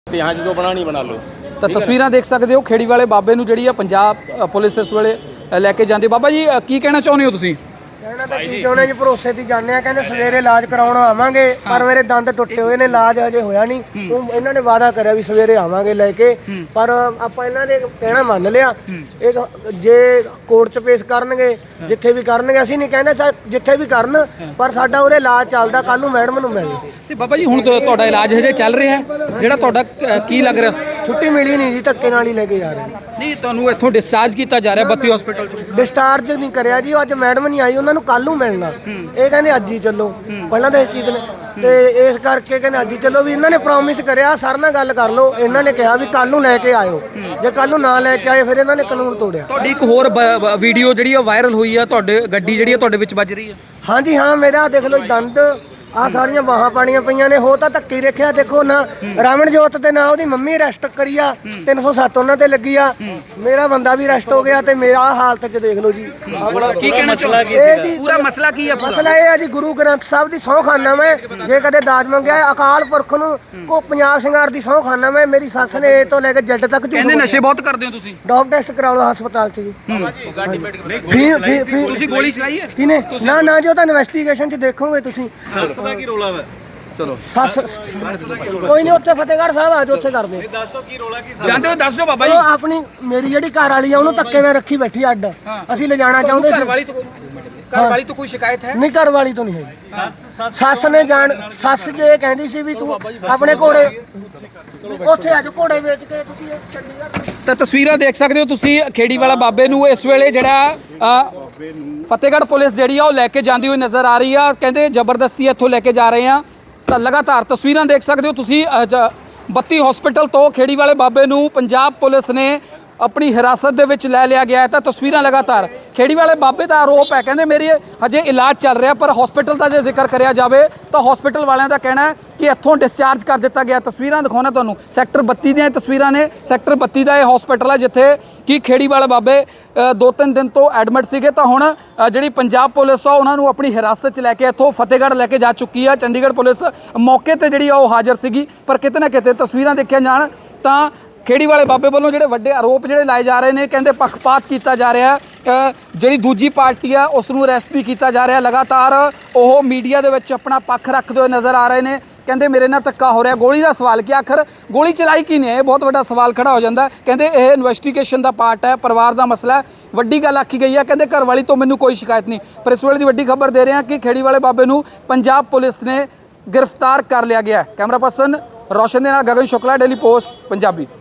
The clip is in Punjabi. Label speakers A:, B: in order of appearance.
A: यहाँ जो बनानी बना लो।
B: ਤਾਂ ਤਸਵੀਰਾਂ ਦੇਖ ਸਕਦੇ ਹੋ ਖੇੜੀ ਵਾਲੇ ਬਾਬੇ ਨੂੰ ਜਿਹੜੀ ਆ ਪੰਜਾਬ ਪੁਲਿਸ ਇਸ ਵੇਲੇ ਲੈ ਕੇ ਜਾਂਦੀ। ਬਾਬਾ ਜੀ ਕੀ ਕਹਿਣਾ ਚਾਹੁੰਦੇ ਹੋ ਤੁਸੀਂ?
C: ਕਹਿਣਾ ਤਾਂ ਕੀ ਚਾਹੁੰਦੇ ਜੀ, ਭਰੋਸੇ ਤੇ ਜਾਂਦੇ ਆ, ਕਹਿੰਦੇ ਸਵੇਰੇ ਇਲਾਜ ਕਰਾਉਣ ਆਵਾਂਗੇ, ਪਰ ਮੇਰੇ ਦੰਦ ਟੁੱਟੇ ਹੋਏ ਨੇ, ਇਲਾਜ ਹਜੇ ਹੋਇਆ ਨਹੀਂ। ਇਹਨਾਂ ਨੇ ਵਾਅਦਾ ਕਰਿਆ ਵੀ ਸਵੇਰੇ ਆਵਾਂਗੇ ਲੈ ਕੇ, ਪਰ ਆਪਾਂ ਇਹਨਾਂ ਦੇ ਕਹਿਣਾ ਮੰਨ ਲਿਆ। ਇਹ ਜੇ ਕੋਰਟ 'ਚ ਪੇਸ਼ ਕਰਨਗੇ, ਜਿੱਥੇ ਵੀ ਕਰਨਗੇ, ਅਸੀਂ ਨਹੀਂ ਕਹਿੰਦੇ ਚਾਹੇ ਜਿੱਥੇ ਵੀ ਕਰਨ, ਪਰ ਸਾਡਾ ਉਰੇ ਇਲਾਜ ਚੱਲਦਾ, ਕੱਲ ਨੂੰ ਮੈਡਮ ਨੂੰ ਮਿਲਣ।
B: ਤੇ ਬਾਬਾ ਜੀ ਹੁਣ ਤੁਹਾਡਾ ਇਲਾਜ ਹਜੇ ਚੱਲ ਰਿਹਾ ਹੈ, ਜਿਹੜਾ ਤੁਹਾਡਾ ਕੀ ਲੱਗ ਰਿਹਾ?
C: ਛੁੱਟੀ ਮਿਲੀ ਨਹੀਂ ਜੀ, ਧੱਕੇ ਨਾਲ ਹੀ ਲੈ ਕੇ ਜਾ ਰਹੇ
B: ਨਹੀਂ, ਤੁਹਾਨੂੰ ਇੱਥੋਂ ਡਿਸਚਾਰਜ ਕੀਤਾ ਜਾ ਰਿਹਾ ਬੱਤੀ ਹਸਪੀਟਲ ਚੋਂ?
C: ਡਿਸਚਾਰਜ ਨਹੀਂ ਕਰਿਆ ਜੀ, ਅੱਜ ਮੈਡਮ ਨਹੀਂ ਆਈ, ਉਹਨਾਂ ਨੂੰ ਕੱਲ ਨੂੰ ਮਿਲਣਾ। ਇਹ ਕਹਿੰਦੇ ਅੱਜ ਹੀ ਚੱਲੋ, ਪਹਿਲਾਂ ਤਾਂ ਇਸ ਚੀਜ਼ ਨੇ, ਤੇ ਇਸ ਕਰਕੇ ਕਹਿੰਦੇ ਅੱਜ ਹੀ ਚੱਲੋ। ਵੀ ਇਹਨਾਂ ਨੇ ਪ੍ਰੋਮਿਸ ਕਰਿਆ, ਸਰ ਨਾਲ ਗੱਲ ਕਰ ਲਓ, ਇਹਨਾਂ ਨੇ ਕਿਹਾ ਵੀ ਕੱਲ ਨੂੰ ਲੈ ਕੇ ਆਇਓ, ਜੇ ਕੱਲ ਨੂੰ ਨਾ ਲੈ ਕੇ ਆਏ ਫਿਰ ਇਹਨਾਂ ਨੇ ਕਾਨੂੰਨ ਤੋੜਿਆ।
B: ਤੁਹਾਡੀ ਇੱਕ ਹੋਰ ਵੀਡੀਓ ਜਿਹੜੀ ਆ ਵਾਇਰਲ ਹੋਈ ਆ, ਤੁਹਾਡੇ ਗੱਡੀ ਜਿਹੜੀ ਆ ਤੁਹਾਡੇ ਵਿੱਚ ਵੱਜ ਰਹੀ ਆ।
C: ਹਾਂਜੀ ਹਾਂ, ਮੇਰਾ ਦੇਖ ਲਓ ਦੰਦ ਆ, ਸਾਰੀਆਂ ਬਾਹਾਂ ਪਾਣੀਆਂ ਪਈਆਂ ਨੇ। ਹੋ ਤਾਂ ਧੱਕੇ ਰੱਖਿਆ, ਦੇਖੋ ਨਾ ਰਮਨਜੋਤ ਤੇ ਨਾ ਉਹਦੀ ਮੰਮੀ ਅਰੈਸਟ ਕਰੀ ਆ, 307 ਉਹਨਾਂ ਤੇ ਲੱਗੀ ਆ, ਮੇਰਾ ਬੰਦਾ ਵੀ ਅਰੈਸਟ ਹੋ ਗਿਆ, ਤੇ ਮੇਰਾ ਹਾਲਤ 'ਚ ਦੇਖ ਲਓ ਜੀ।
B: ਕੀ ਕਹਿਣਾ ਮਸਲਾ ਕੀ
C: ਸੀ?
B: ਪੂਰਾ ਮਸਲਾ ਕੀ ਆ?
C: ਮਸਲਾ ਇਹ ਆ ਜੀ, ਗੁਰੂ ਗ੍ਰੰਥ ਸਾਹਿਬ ਦੀ ਸਹੁੰ ਖਾਨਾ ਮੈਂ, ਜੇ ਕਦੇ ਦਾਜ ਮੰਗਿਆ ਅਕਾਲ ਪੁਰਖ ਨੂੰ ਕੋ ਪੰਜਾਬ ਸਿੰਘਾਰ ਦੀ ਸਹੁੰ ਖਾਨਾ ਮੈਂ। ਮੇਰੀ ਸੱਸ ਨੇ ਇਹ ਤੋਂ ਲੈ ਕੇ ਜੱਟ ਤੱਕ
B: ਕਹਿੰਦੇ ਨਸ਼ੇ ਬਹੁਤ ਕਰਦੇ ਹੋ ਤੁਸੀਂ।
C: ਡੋਪ ਟੈਸਟ ਕਰਾ ਲਓ ਹਸਪਤਾਲ 'ਚ ਜੀ।
B: ਤੁਸੀਂ ਗੋਲੀ ਚਲਾਈ ਹੈ?
C: ਕਿਨੇ? ਨਾ ਜੀ, ਉਹ ਤਾਂ ਇਨਵੈਸਟੀਗੇਸ਼ਨ 'ਚ ਦੇਖੋਗੇ ਤੁਸੀਂ।
A: ਦਾ ਕੀ ਰੋਲਾ ਵਾ?
B: ਚਲੋ
C: ਕੋਈ ਨਹੀਂ, ਉੱਥੇ ਫਤਿਹਗੜ੍ਹ ਸਾਹਿਬ ਆ ਜਾਓ, ਉੱਥੇ ਕਰਦੇ
A: ਦੱਸ ਦੋ ਕੀ ਰੋਲਾ ਕੀ?
B: ਜਾਂਦੇ ਹੋ ਦੱਸ ਦਿਓ ਬਾਬਾ ਜੀ।
C: ਉਹ ਆਪਣੀ ਮੇਰੀ ਜਿਹੜੀ ਘਰ ਵਾਲੀ ਆ, ਉਹਨੂੰ ਧੱਕੇ ਨਾਲ ਰੱਖੀ ਬੈਠੀ ਅੱਡ, ਅਸੀਂ ਲਿਜਾਣਾ ਚਾਹੁੰਦੇ ਸੀ।
B: ਘਰ ਵਾਲੀ ਤੋਂ ਕੋਈ ਸ਼ਿਕਾਇਤ ਹੈ?
C: ਨਹੀਂ, ਘਰ ਵਾਲੀ ਤੋਂ ਨਹੀਂ ਹੈ। ਸੱਸ ਨੇ ਸੱਸ ਜੇ ਕਹਿੰਦੀ ਸੀ ਵੀ ਤੂੰ ਆਪਣੇ ਘੋੜੇ ਉੱਥੇ ਅੱਜ ਘੋੜੇ ਵੇਚ ਕੇ ਤੁਸੀਂ ਚੰਡੀਗੜ੍ਹ।
B: ਤਾਂ ਤਸਵੀਰਾਂ ਦੇਖ ਸਕਦੇ ਹੋ ਤੁਸੀਂ ਖੇੜੀ ਵਾਲਾ ਬਾਬੇ ਨੂੰ ਇਸ ਵੇਲੇ ਜਿਹੜਾ ਫਤਿਹਗੜ੍ਹ ਪੁਲਿਸ ਜਿਹੜੀ ਆ ਉਹ ਲੈ ਕੇ ਜਾਂਦੀ ਹੋਈ ਨਜ਼ਰ ਆ ਰਹੀ ਆ। ਕਹਿੰਦੇ ਜ਼ਬਰਦਸਤੀ ਇੱਥੋਂ ਲੈ ਕੇ ਜਾ ਰਹੇ ਆ। ਤਾਂ ਲਗਾਤਾਰ ਤਸਵੀਰਾਂ ਦੇਖ ਸਕਦੇ ਹੋ ਤੁਸੀਂ, ਬੱਤੀ ਹਸਪੀਟਲ ਤੋਂ ਖੇੜੀ ਵਾਲੇ ਬਾਬੇ ਨੂੰ ਪੰਜਾਬ ਪੁਲਿਸ ਨੇ ਆਪਣੀ ਹਿਰਾਸਤ ਦੇ ਵਿੱਚ ਲੈ ਲਿਆ ਗਿਆ ਹੈ। ਤਾਂ ਤਸਵੀਰਾਂ ਲਗਾਤਾਰ ਖੇੜੀ ਵਾਲੇ ਬਾਬੇ ਦਾ ਆਰੋਪ ਹੈ, ਕਹਿੰਦੇ ਮੇਰੀ ਹਜੇ ਇਲਾਜ ਚੱਲ ਰਿਹਾ, ਪਰ ਹਸਪੀਟਲ ਦਾ ਜੇ ਜ਼ਿਕਰ ਕਰਿਆ ਜਾਵੇ ਤਾਂ ਹਸਪੀਟਲ ਵਾਲਿਆਂ ਦਾ ਕਹਿਣਾ ਹੈ ਕਿ ਇੱਥੋਂ ਡਿਸਚਾਰਜ ਕਰ ਦਿੱਤਾ ਗਿਆ। ਤਸਵੀਰਾਂ ਦਿਖਾਉਣਾ ਤੁਹਾਨੂੰ, ਸੈਕਟਰ 32 ਦੀਆਂ ਤਸਵੀਰਾਂ ਨੇ। ਸੈਕਟਰ 32 ਦਾ ਇਹ ਹਸਪੀਟਲ ਹੈ ਜਿੱਥੇ ਕਿ ਖੇੜੀ ਵਾਲੇ ਬਾਬੇ 2-3 ਦਿਨ ਤੋਂ ਐਡਮਿਟ ਸੀਗੇ। ਤਾਂ ਹੁਣ ਜਿਹੜੀ ਪੰਜਾਬ ਪੁਲਿਸ ਆ ਉਹਨਾਂ ਨੂੰ ਆਪਣੀ ਹਿਰਾਸਤ 'ਚ ਲੈ ਕੇ ਇੱਥੋਂ ਫਤਿਹਗੜ੍ਹ ਲੈ ਕੇ ਜਾ ਚੁੱਕੀ ਆ। ਚੰਡੀਗੜ੍ਹ ਪੁਲਿਸ ਮੌਕੇ ਤੇ ਜਿਹੜੀ ਆ ਉਹ ਹਾਜ਼ਰ ਸੀਗੀ, ਪਰ ਕਿਤੇ ਨਾ ਕਿਤੇ ਤਸਵੀਰਾਂ ਦੇਖੀਆਂ ਜਾਣ ਤਾਂ ਖੇੜੀ ਵਾਲੇ ਬਾਬੇ ਵੱਲੋਂ ਜਿਹੜੇ ਵੱਡੇ ਆਰੋਪ ਜਿਹੜੇ ਲਾਏ ਜਾ ਰਹੇ ਨੇ, ਕਹਿੰਦੇ ਪੱਖਪਾਤ ਕੀਤਾ ਜਾ ਰਿਹਾ, ਜਿਹੜੀ ਦੂਜੀ ਪਾਰਟੀ ਆ ਉਸ ਨੂੰ ਅਰੈਸਟ ਨਹੀਂ ਕੀਤਾ ਜਾ ਰਿਹਾ। ਲਗਾਤਾਰ ਉਹ ਮੀਡੀਆ ਦੇ ਵਿੱਚ ਆਪਣਾ ਪੱਖ ਰੱਖਦੇ ਹੋਏ ਨਜ਼ਰ ਆ ਰਹੇ ਨੇ। ਕਹਿੰਦੇ ਮੇਰੇ ਨਾਲ ਧੱਕਾ ਹੋ ਰਿਹਾ। ਗੋਲੀ ਦਾ ਸਵਾਲ, ਕਿ ਆਖਰ ਗੋਲੀ ਚਲਾਈ ਕੀ ਨੇ, ਇਹ ਬਹੁਤ ਵੱਡਾ ਸਵਾਲ ਖੜਾ ਹੋ ਜਾਂਦਾ। ਕਹਿੰਦੇ ਇਹ ਇਨਵੈਸਟੀਗੇਸ਼ਨ ਦਾ ਪਾਰਟ ਹੈ, ਪਰਿਵਾਰ ਦਾ ਮਸਲਾ ਹੈ। ਵੱਡੀ ਗੱਲ ਆਖੀ ਗਈ ਹੈ, ਕਹਿੰਦੇ ਘਰ ਵਾਲੀ ਤੋਂ ਮੈਨੂੰ ਕੋਈ ਸ਼ਿਕਾਇਤ ਨਹੀਂ। ਪਰ ਇਸ ਵੇਲੇ ਦੀ ਵੱਡੀ ਖਬਰ ਦੇ ਰਹੇ ਹਾਂ ਕਿ ਖੇੜੀ ਵਾਲੇ ਬਾਬੇ ਨੂੰ ਪੰਜਾਬ ਪੁਲਿਸ ਨੇ ਗ੍ਰਿਫਤਾਰ ਕਰ ਲਿਆ ਗਿਆ। ਕੈਮਰਾ ਪਰਸਨ ਰੋਸ਼ਨ ਦੇ ਨਾਲ ਗਗਨ ਸ਼ੁਕਲਾ, ਡੇਲੀ ਪੋਸਟ ਪੰਜਾਬੀ।